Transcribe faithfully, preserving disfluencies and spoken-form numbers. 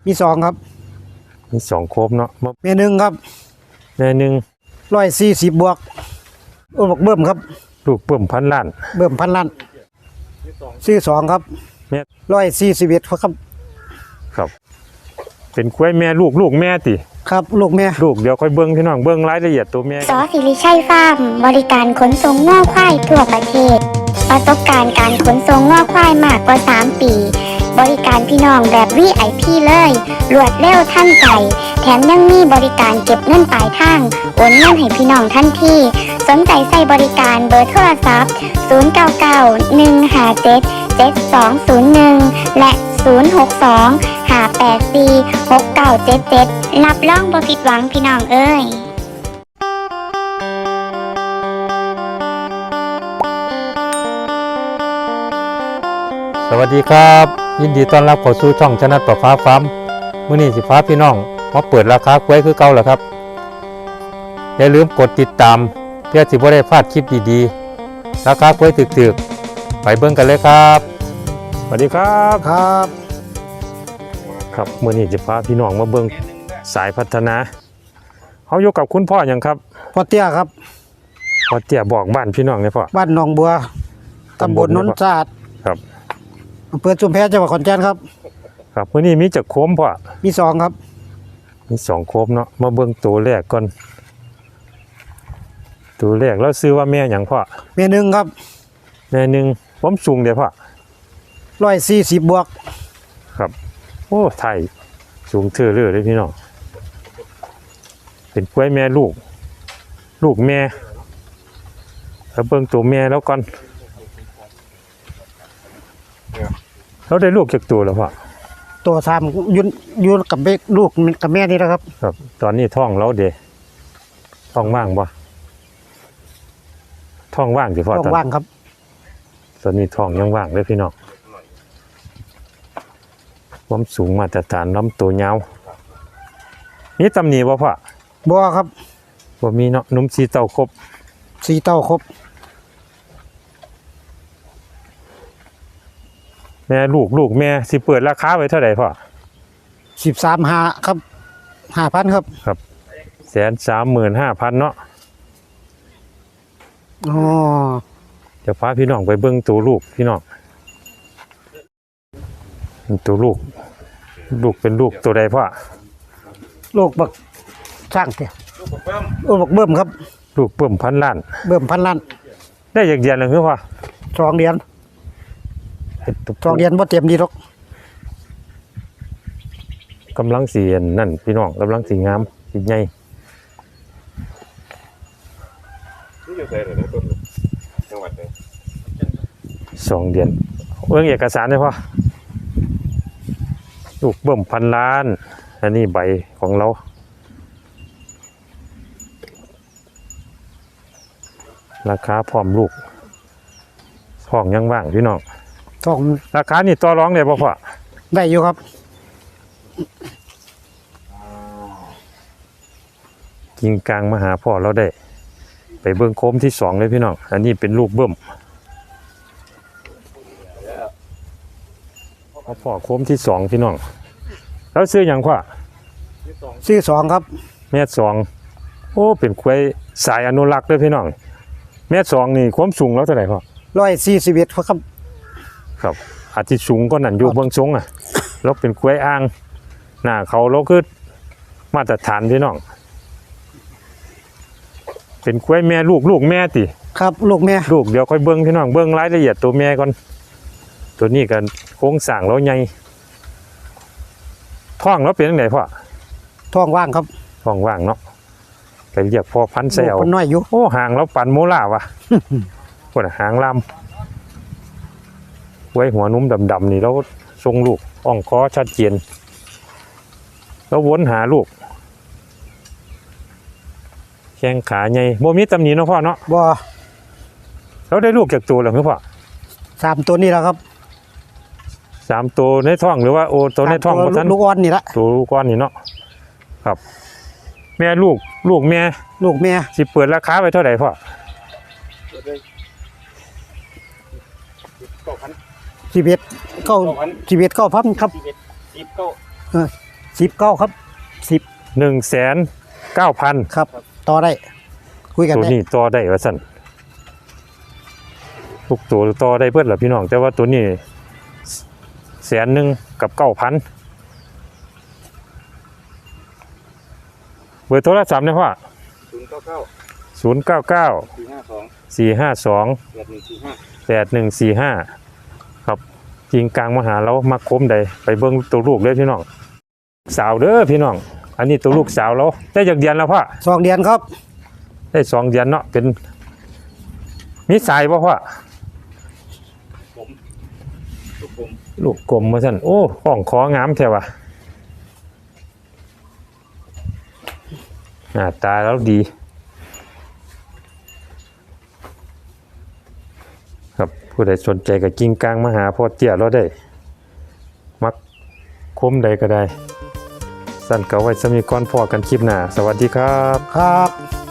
มีสองครับมีสองโคบเนาะแม่หนึ่งครับแม่หนึ่งร้อยสี่สิบบวกโอ้บอกเบิ่มครับลูกเบิ่มพันล้านเบิ่มพันล้านซื้อสองครับแม่ร้อยสี่สิบเอ็ดครับครับเป็นกล้วยแม่ลูกลูกแม่ติครับลูกแม่ลูกเดี๋ยวค่อยเบิ้งพี่น้องเบิ้งรายละเอียดตัวแม่สอสิริชัยฟาร์มบริการขนส่งง่อควายทั่วประเทศประสบการณ์การขนส่งง่อควายมากกว่าสามปีบริการพี่น้องแบบ วี ไอ พี เลยรวดเร็วทันใจแถมยังมีบริการเก็บเงินปลายทางโอนเงินให้พี่น้องทันทีสนใจใส่บริการเบอร์โทรศัพท์ศูนย์ เก้า เก้า หนึ่ง ห้า เจ็ด เจ็ด สอง ศูนย์ หนึ่งและศูนย์ หก สอง ห้า แปด สี่ หก เก้า เจ็ด เจ็ดรับรองบ่ผิดหวังพี่น้องเอ้ยสวัสดีครับยินดีต้อนรับเข้าสู่ช่องชนะประฟ้าฟาร์มมื้อนี้สิพาพี่น้องมาเปิดราคากล้วยคือเก่าแล้วครับอย่าลืมกดติดตามเพื่อสิบ่ได้พลาดคลิปดีๆราคากล้วยถึกๆไปเบิ่งกันเลยครับสวัสดีครับครับครับมื้อนี้จะพาพี่น้องมาเบิ่งสายพัฒนาเฮาอยู่กับคุณพ่อหยังครับพ่อเตี้ยครับพ่อเตี้ยบอกบ้านพี่น้องเลยพ่อบ้านหนองบัวตำบลนนท์สะอาดครับอำเภอชุมแพจังหวัดขอนแก่นครับครับมื้อนี้มีจักโคมพ่อมีสองครับมีสองโคมเนาะมาเบิ่งตัวแรกก่อนตัวแรกแล้วซื้อว่าแม่หยังพ่อแม่หนึ่งครับแม่หนึ่งผมสูงเด้พ่อร้อยสี่สิบบวกครับโอ้ไทยสูงเทื่อเรื่อยเลยพี่น้องเป็นกล้วยแม่ลูกลูกแม่แล้วเบิ่งตัวแม่แล้วก่อนเราได้ลูกจากตัวแล้วพ่อตัวสามยืนยืนกับลูกกับแม่นี่นะครับครับตอนนี้ท้องเราเดะท้องว่างบ่ท้องว่างสิพ่อท้องว่างครับตอนนี้ท้องยังว่างเลยพี่น้องความสูงมาตรฐานลำตัวยาวนี่ตำหนิบ่พ่อบ่ครับบ่มีเนาะนุ่มสีเต้าครบสีเต้าครบแม่ลูกลูกแม่สิเปิดราคาไว้เท่าไหร่พ่อสิบสามห้าครับห้าพันครับครับแสนสามหมื่นห้าพันเนาะอ๋อจะพาพี่น้องไปเบิ้งตัวลูกพี่น้องตัวลูกลูกเป็นลูกตัวใดพ่อลูกบักช่างเถอะลูกบักเบิ่มครับลูกเบิ่มพันล้านเบิ่มพันล้านได้อย่างเดียวเลยคือพ่อสองเดือนสองเดือนบ่เต็มดีหรอกกำลังสีนั่นพี่น้องกำลังสีงามสีใหญ่สองเดือนเรื่องเอกสารเลยพ่อลูกเบิ่มพันล้านอันนี้ใบของเราราคาพร้อมลูกท้องยังว่างพี่น้องท้องราคานี่ต่อรองได้ป่ะพ่อได้อยู่ครับกิงกลางมาหาพ่อเราได้ไปเบิ้งโคมที่สองเลยพี่น้องอันนี้เป็นลูกเบิ่มพ่อโคมที่สองพี่น้องแล้วซื้ออย่างพ่อซื้อสองครับแม่สองโอ้เป็นควายสายอนุรักษ์ด้วยพี่น้องแม่สองนี่ความสูงแล้วเท่าไหร่พ่อร้อยสี่สิบเอ็ดครับครับอาจจะสูงก็นั่นอยู่เบื้องสูงอ่ะแล้วเป็นควายอ่างหน้าเขาเราคือมาตรฐานพี่น้องเป็นควายแม่ลูกลูกแม่ติครับลูกแม่ลูกเดี๋ยวค่อยเบิ้งพี่น้องเบิ้งรายละเอียดตัวแม่ก่อนตัวนี้กันโค้งสั่งแล้วใหญ่ท้องแล้วเป็นยังไงพ่อท้องว่างครับท้องว่างเนาะไปเรียกพ่อพันธุ์เซลน้อยอยู่โอ้หางแล้วปันโมล่าวะพวกหางลำไว้หัวนุ่มดำๆนี่แล้วทรงลูกอ่องคอชัดเจนแล้ววนหาลูกแข้งขาใหญ่โมมีตำหนิเนาะพ่อเนาะบ่แล้วได้ลูกจากตัวหรือเปล่าสามตัวนี่แหละครับสามตัวในท้องหรือว่าโอตัวในท้องลูกอ่อนนี่ละตัวลูกอ่อนนี่เนาะครับแม่ลูกลูกแม่ลูกแม่สิเปิดราคาไปเท่าไหร่พ่อสิบเอ็ดเก้าสิบเอ็ดเก้าพันครับสิบเก้าสิบเก้าครับสิบหนึ่งแสนเก้าพันครับต่อได้คุยกันตัวได้นี้ต่อได้ว่าสั่นทุกตัวต่อได้เพื่อนหรอพี่น้องแต่ว่าตัวนี้แสนหนึ่งกับเก้าพันเบอร์โทรศัพท์เนี่ยพ่อศูนย์เก้าเก้าศูนย์เก้าเก้าสี่ห้าสองสี่ห้าสองแปดหนึ่งสี่ห้าแปดหนึ่งสี่ห้าครับจริงกลางมหาเรามาคมใดไปเบิ้งตัวลูกเลยพี่น้องสาวเด้อพี่น้องอันนี้ตัวลูกสาวเราได้จากเดือนแล้วพ่อสองเดือนครับได้สองเดือนเนาะเป็นมีสายป่ะพ่อผมทุกผมลูกกลมมาสั่นโอ้ห้องของามแท้ว่ะหน้าตาแล้วดีครับผู้ใดสนใจกับกิ้งกลางมาหาพ่อเตี้ยเราได้มักคมใดก็ได้สั่นเก่าไว้สมีก่อนพอกันคลิปหน้าสวัสดีครับครับ